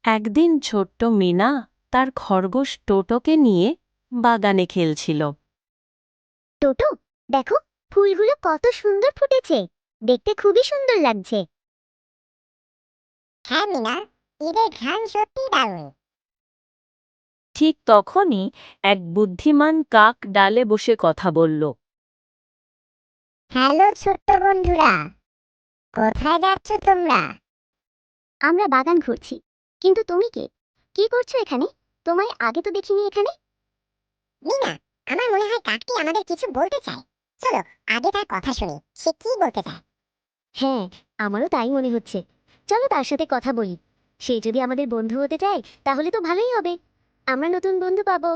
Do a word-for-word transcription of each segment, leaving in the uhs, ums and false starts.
একদিন ছোট্ট মিনা তার খরগোশ টোটোকে নিয়ে বাগানে খেলছিল। টোটো, দেখো ফুলগুলো কত সুন্দর ফুটেছে, দেখতে খুবই সুন্দর লাগছে। হ্যাঁ মিনা, ঈদের ঘ্রাণ সত্যি দারুণ। ঠিক তখনই এক বুদ্ধিমান কাক ডালে বসে কথা বলল। হ্যালো ছোট্ট বন্ধুরা, কোথায় যাচ্ছ তোমরা? আমরা বাগান ঘুরছি, কিন্তু তুমি কে? কি করছো এখানে? তোমায় আগে তো দেখিনি এখানে। মিনা, আমার মনে হয় কাকটি আমাদের কিছু বলতে চায়। চলো আগে তার কথা শুনি, সে কি বলতে চায়। হ্যাঁ, আমারও তাই মনে হচ্ছে। চলো তার সাথে কথা বলি। সে যদি আমাদের বন্ধু হতে চায় তাহলে তো ভালোই হবে, আমরা নতুন বন্ধু পাবো।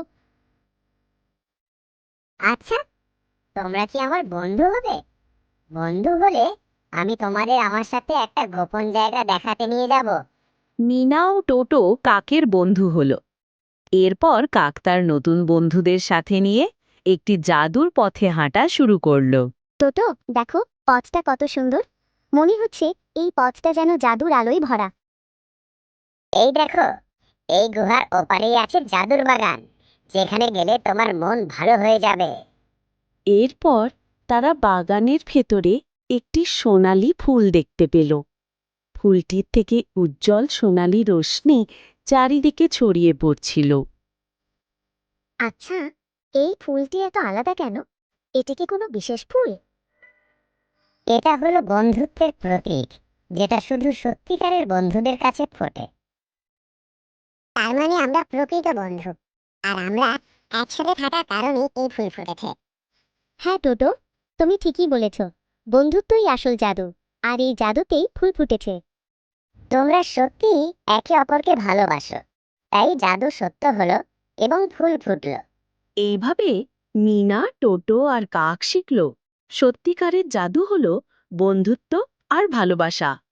আচ্ছা, তোমরা কি আমার বন্ধু হবে? বন্ধু হলে আমি তোমাদের আমার সাথে একটা গোপন জায়গা দেখাতে নিয়ে যাব। মিনা ও টোটো কাকের বন্ধু হল। এরপর কাক তার নতুন বন্ধুদের সাথে নিয়ে একটি জাদুর পথে হাঁটা শুরু করল। টোটো, দেখো পথটা কত সুন্দর। মনে হচ্ছে এই পথটা যেন জাদুর আলোয় ভরা। এই দেখো, এই গুহার ওপারেই আছে জাদুর বাগান, যেখানে গেলে তোমার মন ভালো হয়ে যাবে। এরপর তারা বাগানের ভেতরে একটি সোনালী ফুল দেখতে পেল। ফুলটির থেকে উজ্জ্বল সোনালী রশ্মি চারিদিকে ছড়িয়ে পড়ছিল। আচ্ছা, এই ফুলটি এত আলাদা কেন? এটা কি কোনো বিশেষ ফুল? এটা হলো বন্ধুত্বের প্রতীক, যেটা শুধু সত্যিকারের বন্ধুদের কাছে ফোটে। তার মানে আমরা প্রকৃত বন্ধু, আর আমরা একসাথে থাকার কারণেই এই ফুল ফুটেছে। হ্যাঁ টোটো, তুমি ঠিকই বলেছ। বন্ধুত্বই আসল জাদু, আর এই জাদুতেই ফুল ফুটেছে। তোমরা সত্যি একে অপরকে ভালোবাসো, তাই জাদু সত্য হলো এবং ফুল ফুটলো। এইভাবে মিনা, টোটো আর কাক শিখল সত্যিকারের জাদু হলো বন্ধুত্ব আর ভালোবাসা।